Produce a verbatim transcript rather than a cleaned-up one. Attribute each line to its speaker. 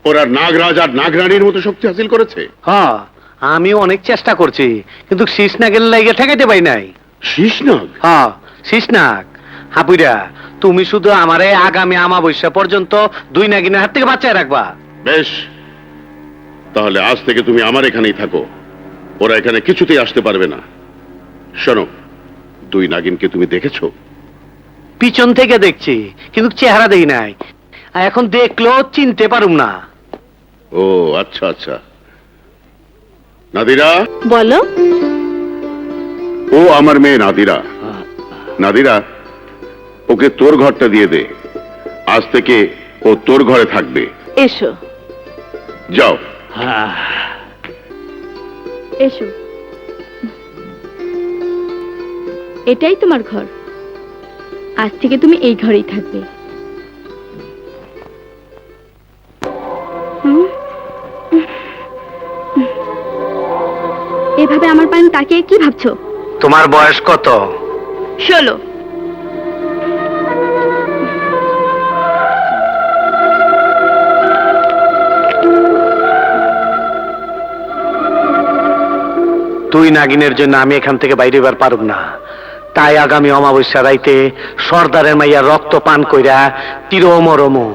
Speaker 1: ওরা নাগরাজ আর নাগরানীর মতো শক্তি হাসিল করেছে?
Speaker 2: হ্যাঁ, আমি অনেক চেষ্টা করছি, কিন্তু শীষ নাগের লাইগে ঠেকাইতে পাই নাই।
Speaker 1: শীষনাগ?
Speaker 2: হ্যাঁ, শীষ নাগ। হাপুইরা, তুমি শুধু আমারে আগামী আমাবস্যা পর্যন্ত দুই নাগিনের হাত থেকে বাঁচায় রাখবা।
Speaker 1: বেশ, তাহলে আজ থেকে তুমি আমার এখানেই থাকো। ওরা এখানে কিছুতেই আসতে পারবে না। শোনো, দুই নাগিনকে তুমি দেখেছো?
Speaker 2: পিছন থেকে দেখছি, কিন্তু চেহারা দেই নাই। আর এখন দেখলেও চিনতে পারুম না।
Speaker 1: ও আচ্ছা আচ্ছা। নাদিরা?
Speaker 3: বলো।
Speaker 1: ও আমার মেয়ে নাদিরা। নাদিরা, ওকে তোর ঘরটা দিয়ে দে। আজ থেকে ও তোর ঘরে থাকবে।
Speaker 3: এসো
Speaker 1: যাও।
Speaker 3: এসো, এটাই তোমার ঘর। আজ থেকে তুমি এই ঘরেই থাকবে। হুম? এভাবে আমার পানে তাকিয়ে কি ভাবছো?
Speaker 2: তোমার বয়স কত?
Speaker 3: ষোলো।
Speaker 2: তুই নাগিনের জন্য আমি এখান থেকে বাইরে বার পারব না। তাই আগামী অমাবস্যা রাইতে সর্দারের মাইয়া রক্ত পান কইরা তিরো মরমো।